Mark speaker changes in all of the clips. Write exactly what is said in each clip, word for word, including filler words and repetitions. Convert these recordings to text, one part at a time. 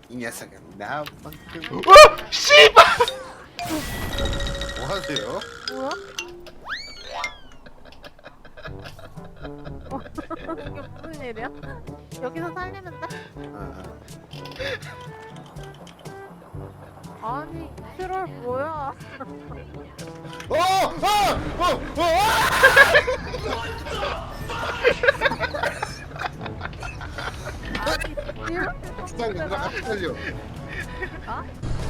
Speaker 1: 이 녀석은 나만큼.
Speaker 2: 어! 씨발!
Speaker 1: 뭐 하세요?
Speaker 3: 뭐야? 어, 이게 무슨 일이야? 여기서 살리면 돼?
Speaker 1: 아,
Speaker 3: 아니 트롤 뭐야?
Speaker 1: 어! 어! 어! 어!
Speaker 3: 아니 이렇게
Speaker 1: 수상 누나 같이 살려.
Speaker 3: 아?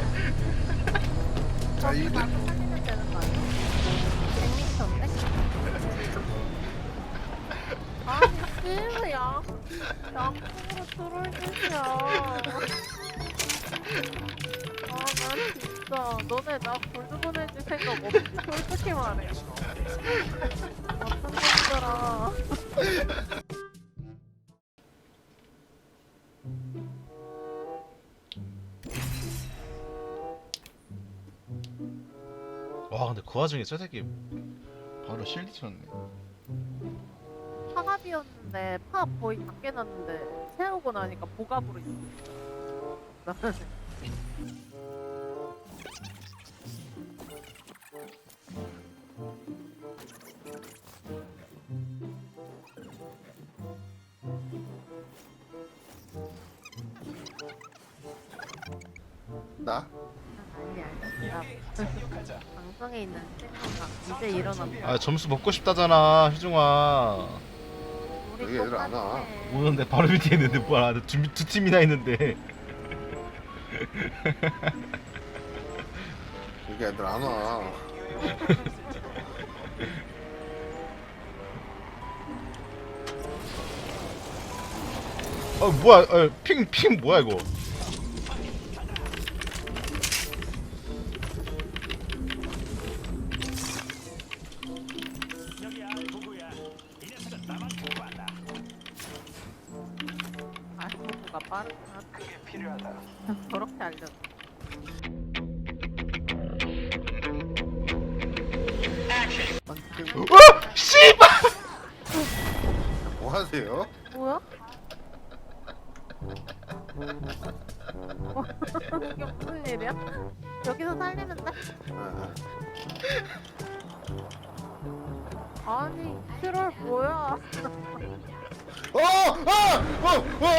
Speaker 1: 자, 이
Speaker 3: 나도 살리면 되는 거 아니야? 백 미터인데? 아니 씨야 양쪽으로 트롤 짓이야. 아난 진짜 너네 나 골드 보내줄 생각 없지? 솔직히 말해. 어떤 놈들아.
Speaker 2: 와 근데 그 와중에 저 새끼 바로 실드 쳤네.
Speaker 3: 파갑이었는데 파 거의 다 깨놨는데 세우고 나니까 보갑으로 있어.
Speaker 1: 나?
Speaker 3: 아니 아니 나 방송에 있는 친구가 이제 일어났다.
Speaker 2: 아 점수 먹고 싶다잖아 희중아.
Speaker 3: 우리
Speaker 1: 여기 애들 안 와.
Speaker 3: 똑같아.
Speaker 2: 오는데 바로 밑에 있는데 뭐야 두, 두 팀이나 있는데.
Speaker 1: 여기 애들 안 와.
Speaker 2: 어 뭐야 어, 핑, 핑 뭐야 이거.
Speaker 3: 알고가 빠르구나. 그게 필요하다. 저렇게 알려.
Speaker 1: 만큼.
Speaker 2: 어! 씨발!
Speaker 1: 뭐 하세요?
Speaker 3: 뭐야? 어, 이게 무슨 일이야? 여기서 살리면 돼?
Speaker 1: 아,
Speaker 3: 아니 트롤 뭐야?
Speaker 1: 어! 어! 어! 어!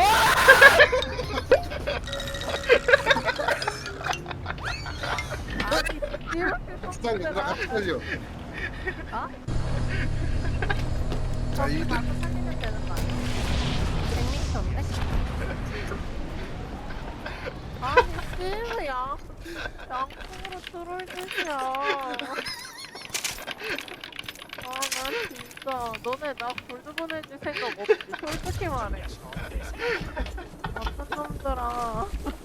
Speaker 3: 아니 이렇게
Speaker 1: 수상 누나 같이 살려.
Speaker 3: 아?
Speaker 1: 자, 이
Speaker 3: 나도 살리면 되는 거 아니야? 백 미터인데? 아니 씨야 양쪽으로 트롤 짓이야. 아난 진짜 너네 나 골드 보내줄 생각 없지? 솔직히 말해. 어떤 놈들아.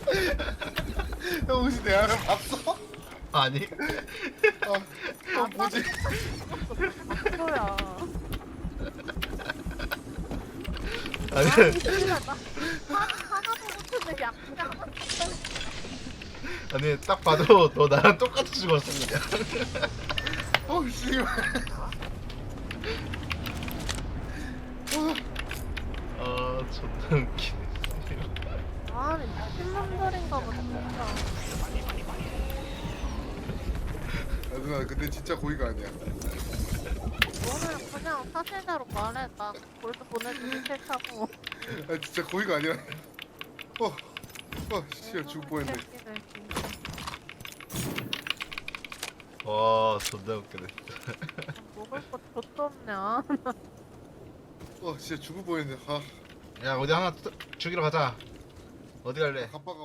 Speaker 1: 형 혹시 내 아를 봤어?
Speaker 2: 아니
Speaker 1: 어, 어 뭐지?
Speaker 3: 뭐야?
Speaker 2: 아니
Speaker 3: 아니 씨야 나 하- 하나도 못했는데 약간
Speaker 2: 아니 딱 봐도 너 나랑 똑같이 죽었어 그냥.
Speaker 1: 어, 씨발.
Speaker 2: 아 존나 웃기네.
Speaker 3: 아니 미친 놈들인가 봐 진짜.
Speaker 1: 아, 누나 근데 진짜 고의가 아니야.
Speaker 3: 너는 그냥 사실대로 말해. 나 골드 보내주기 싫다고.
Speaker 1: 아, 진짜 고의가 아니야. 어, 어, 씨발 죽을 뻔했네.
Speaker 3: 새끼들 진짜.
Speaker 2: 와 존나 웃기네.
Speaker 3: 먹을 거 좆도 없냐?
Speaker 1: 어, 진짜 죽을 뻔했네. 아,
Speaker 2: 야 어디 하나 또 죽이러 가자. 어디 갈래?
Speaker 1: 갑바가.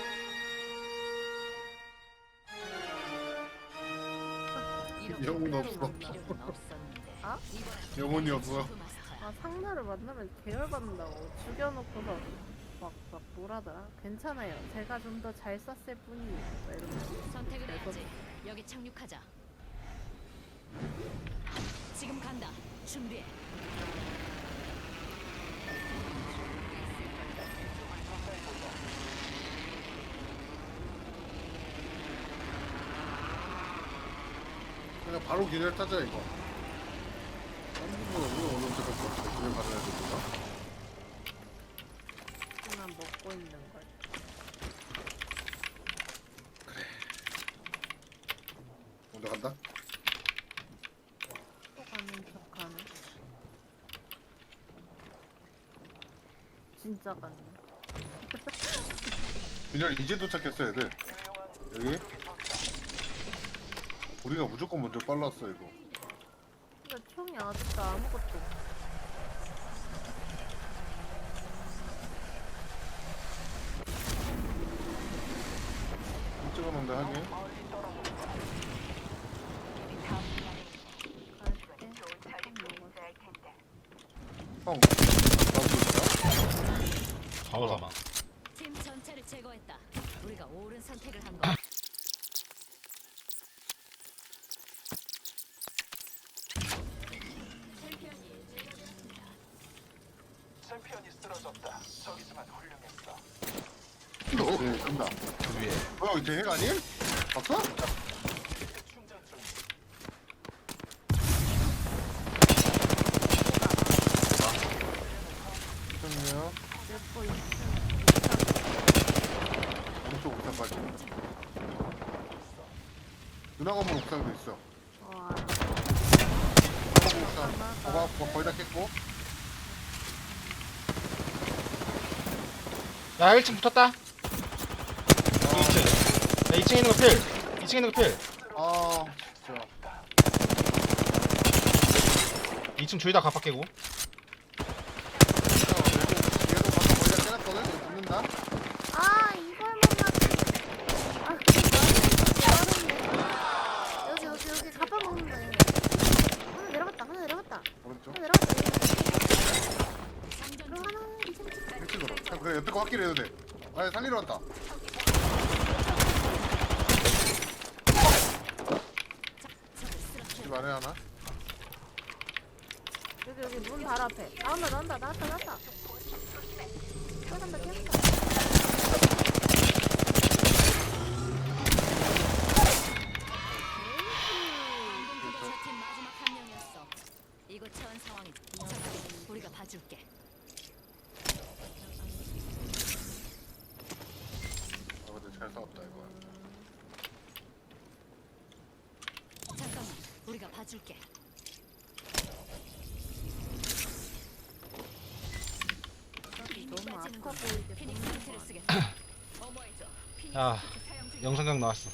Speaker 1: 영혼 없어.
Speaker 3: 아?
Speaker 1: 영혼이 없어.
Speaker 3: 아 상대를 만나면 계열받는다고 죽여놓고서 막, 막 뭐라더라? 괜찮아요. 제가 좀 더 잘 쐈을 뿐이에요. 막 이러면서.
Speaker 4: 선택을 해야지. 여기 착륙하자. 지금 간다. 준비해.
Speaker 1: 그냥 바로 기절 타자 이거. 한국은 우리 어느 때까지 기절 받아야 됩니다.
Speaker 3: 그냥 먹고 있는 걸.
Speaker 1: 간다.
Speaker 3: 또 가는 척하네. 진짜 가네.
Speaker 1: 민열 이제 도착했어 애들. 여기. 우리가 무조건 먼저 빨랐어 이거.
Speaker 3: 근데 총이 아직도 아무것도 없어.
Speaker 1: 찍어놓는데 하긴.
Speaker 3: 갈게. 총 먹었어.
Speaker 1: 형. 나도 있다.
Speaker 2: 바로 잡아.
Speaker 4: 팀 전체를 제거했다. 우리가 옳은 선택을 한 거.
Speaker 5: 챔피언이 쓰러졌다. 저기서만 훌륭했어.
Speaker 1: 네, 간다.
Speaker 2: 그 위에.
Speaker 1: 뭐야 이제 핵 아님? 봤어?
Speaker 5: 충전 중.
Speaker 1: 잠깐만요.
Speaker 3: 내거 있음.
Speaker 1: 오른쪽 옥상까지. 누나 건물 옥상도 있어.
Speaker 3: 어, 알아.
Speaker 1: 건물 옥상. 봐봐, 뭐 거의 다 깼고.
Speaker 2: 야 일 층 붙었다. 이 층. 야 이 층에 있는 거 필. 이 층에 있는 거 필.
Speaker 1: 아, 진짜.
Speaker 2: 이 층 둘 다 갑박 깨고.
Speaker 1: 얘도 얘도 방금 거의 다 깨놨거든. 이거 붙는다.
Speaker 3: 아, 이걸 못 맞추. 아, 그거 여기, 여기, 여기 가빠 먹는데. 하나 내려갔다, 하나 내려갔다.
Speaker 1: 오른쪽.
Speaker 3: 하나 내려갔다.
Speaker 4: 장전
Speaker 3: 그리고
Speaker 4: 중.
Speaker 3: 하나, 이 층.
Speaker 1: 핵집으로. 형 그래 옆에 거 확실히 해도 돼. 아, 살리러 왔다.
Speaker 4: 적을 쓰러뜨려.
Speaker 1: 집 안에 하나.
Speaker 3: 여기, 여기 문 바로 앞에. 나온다, 나온다, 나왔다, 나왔다. 뛰어간다, 뛰어간다.
Speaker 4: 방금 그게 저팀 마지막 한 명이었어. 이곳 처한 상황이. 잠깐, 우리가 봐줄게.
Speaker 1: 아, 근데 잘 싸웠다 이거.
Speaker 4: 잠깐만, 우리가 봐줄게.
Speaker 3: 너무 아파 보이게.
Speaker 4: 피닉스 상태를 쓰겠다. 어머해줘. 피닉스
Speaker 2: 야
Speaker 4: 키트 사용 중.
Speaker 2: 영상각 나왔어.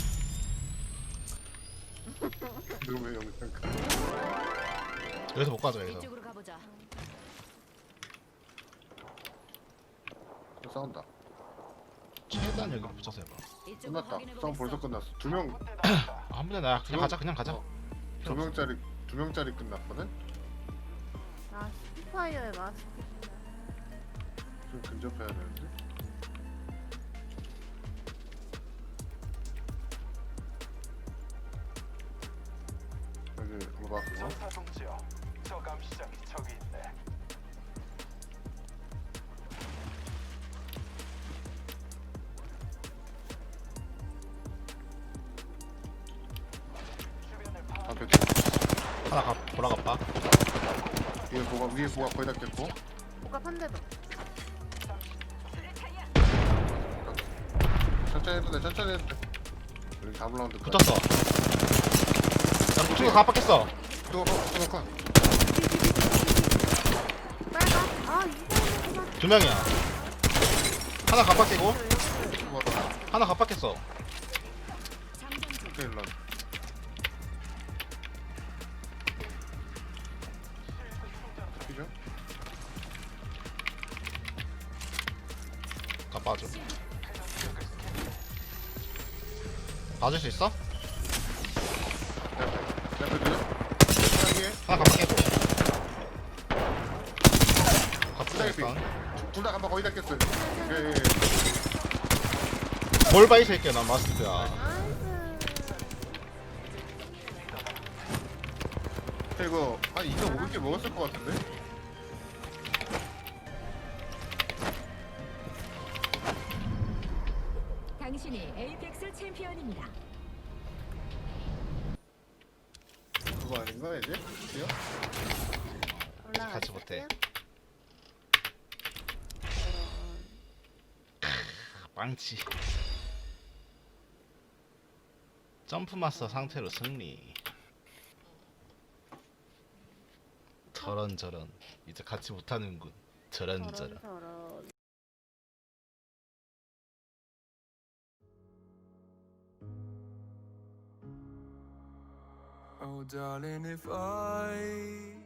Speaker 1: 너왜 영상 가?
Speaker 2: 여기서 못 가져 여기서.
Speaker 4: 이쪽으로 가보자.
Speaker 1: 싸운다.
Speaker 2: 최대한 여기 붙여서 해봐.
Speaker 4: 이쪽으로
Speaker 1: 끝났다.
Speaker 4: 확인해
Speaker 1: 싸움 벌써
Speaker 4: 보겠어.
Speaker 1: 끝났어. 두 명,
Speaker 2: 아, 한 번에 나 그냥 가자 그냥 가자.
Speaker 1: 어, 두 명짜리 두 명짜리 끝났거든.
Speaker 3: 아, 스파이어의 마스크.
Speaker 1: 좀 근접해야 되는데. 여기 뭐가 그거?
Speaker 5: 전사 동지요. 저 감시장이 저기 있네. 주변을 파.
Speaker 1: 앞에 두
Speaker 2: 하나 가 돌아가봐.
Speaker 1: 위에 뭐가 위에 뭐가 거의 다 깼고.
Speaker 3: 복합 한 대도.
Speaker 1: 천천히 해도 돼. 천천히 해도 돼. 여기 다블 라운드까지.
Speaker 2: 붙었어. 야 북쪽에 갑박했어.
Speaker 1: 또 또, 또.
Speaker 3: 빨가? 아, 이거구나.
Speaker 2: 두 명이야. 하나 갑박 깨고
Speaker 1: 뭐
Speaker 2: 하나 갑박했어.
Speaker 4: 장전 중.
Speaker 1: 오케이 런. 그죠?
Speaker 2: 가 빠져. 봐줄 수 있어?
Speaker 1: 옆에 옆에 들.
Speaker 2: 하나 갑박 깨고. 갑박
Speaker 1: 부장이
Speaker 2: 깨고.
Speaker 1: 둘다 간바 거의 다 깼어. 예, 예, 예.
Speaker 2: 뭘 봐 이 새끼야 난 마스크야.
Speaker 3: 나이스.
Speaker 1: 이거 한 이천오백 개 먹었을 것 같은데?
Speaker 4: 당신이 에이펙스 챔피언입니다.
Speaker 1: 그거 아닌가 이제? 드디어?
Speaker 3: 올라가.
Speaker 2: 같이 못해. 빵치. 점프 마스터 상태로 승리. 저런 저런 이제 같이 못하는군. 저런 저런.
Speaker 3: 저런 저런.
Speaker 6: Oh, darling, if I